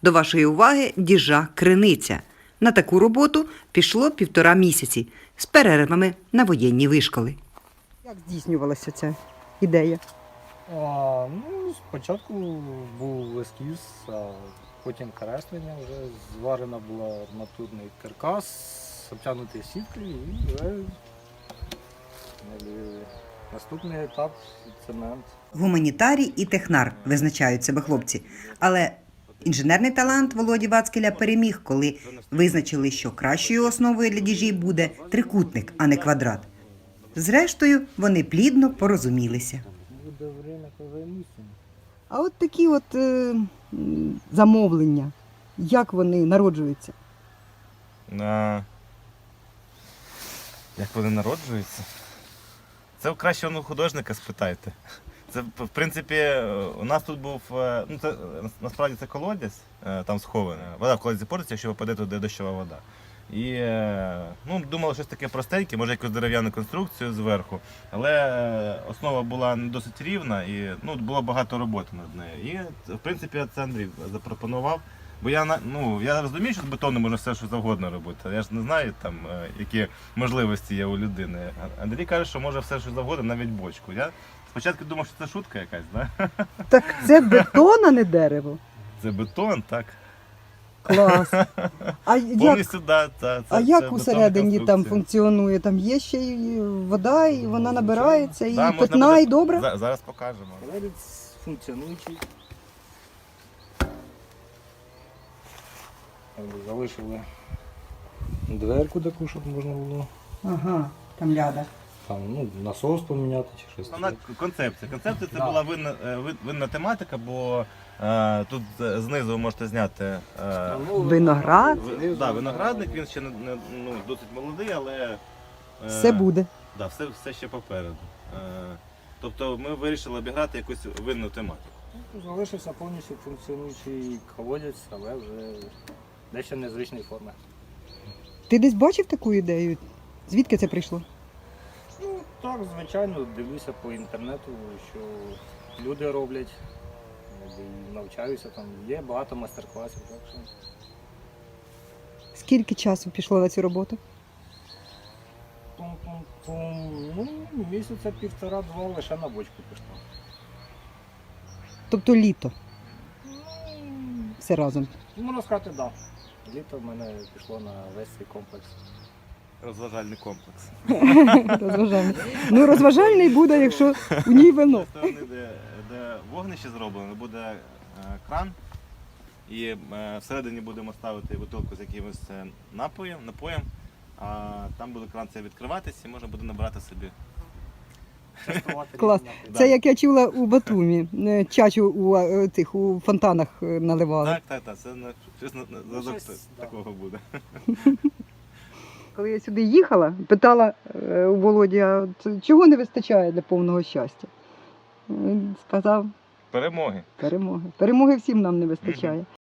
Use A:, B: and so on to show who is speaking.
A: До вашої уваги діжа криниця. На таку роботу пішло 1,5 місяці з перервами на воєнні вишколи. Як здійснювалася ця ідея?
B: Спочатку був ескіз, а потім креслення, вже зварена була арматурний каркас, обтягнутий сіткою і вже наступний етап цемент.
A: Гуманітарій і технар визначають себе хлопці. Але інженерний талант Володі Вацкеля переміг, коли визначили, що кращою основою для діжі буде трикутник, а не квадрат. Зрештою, вони плідно порозумілися.
B: Буде время, коли займуся.
A: А от такі замовлення, як вони народжуються?
C: Як вони народжуються? Це у кращого художника спитайте. Це, в принципі, у нас тут був, насправді це колодязь, там схована. Вода в колодязі портиться, якщо випаде туди дощова вода. І думали щось таке простеньке, може якусь дерев'яну конструкцію зверху. Але основа була не досить рівна і було багато роботи над нею. І, в принципі, це Андрій запропонував. Бо я розумію, що з бетону можна все, що завгодно робити. Я ж не знаю, які можливості є у людини. Андрій каже, що може все, що завгодно, навіть бочку. Я спочатку думав, що це шутка якась, да?
A: Так це бетон, а не дерево.
C: Це бетон, так.
A: Клас.
C: Повністю, да,
A: як усередині там функціонує? Там є ще й вода, і вона набирається, і питна, і добра?
C: Зараз покажемо.
B: Колодязь функціонуючий. Залишили дверку таку, щоб можна було.
A: Ага, там ляда.
B: Там, насос поміняти чи щось.
C: Вона концепція. Концепція це була винна тематика, бо тут знизу ви можете зняти
A: Виноград.
C: Виноградник, він ще досить молодий, але
A: Все буде.
C: Да, все ще попереду. Тобто ми вирішили обіграти якусь винну тематику.
B: Залишився повністю функціонуючий колодязь, але вже дещо незвичної форми.
A: Ти десь бачив таку ідею? Звідки це прийшло?
B: Так, звичайно, дивлюся по інтернету, що люди роблять, і навчаюся, там є багато майстер-класів. Так що...
A: Скільки часу пішло на цю роботу?
B: Місяця 1,5-2 лише на бочку пішло.
A: Тобто літо? Все разом?
B: Можна сказати, так. Да. Літо в мене пішло на весь цей комплекс.
C: Розважальний комплекс.
A: Розважальний. Розважальний буде, якщо в ній вино.
C: З сторони, де вогнище зроблено, буде кран. І всередині будемо ставити бутилку з якимось напоєм, а там буде кран цей відкриватися і можна буде набрати собі.
A: Клас. Це як я чула у Батумі. Чачу у фонтанах наливали.
C: Так. Це щось такого буде.
A: Коли я сюди їхала, питала у Володі, а чого не вистачає для повного щастя? Він сказав,
C: Перемоги.
A: перемоги. Перемоги всім нам не вистачає.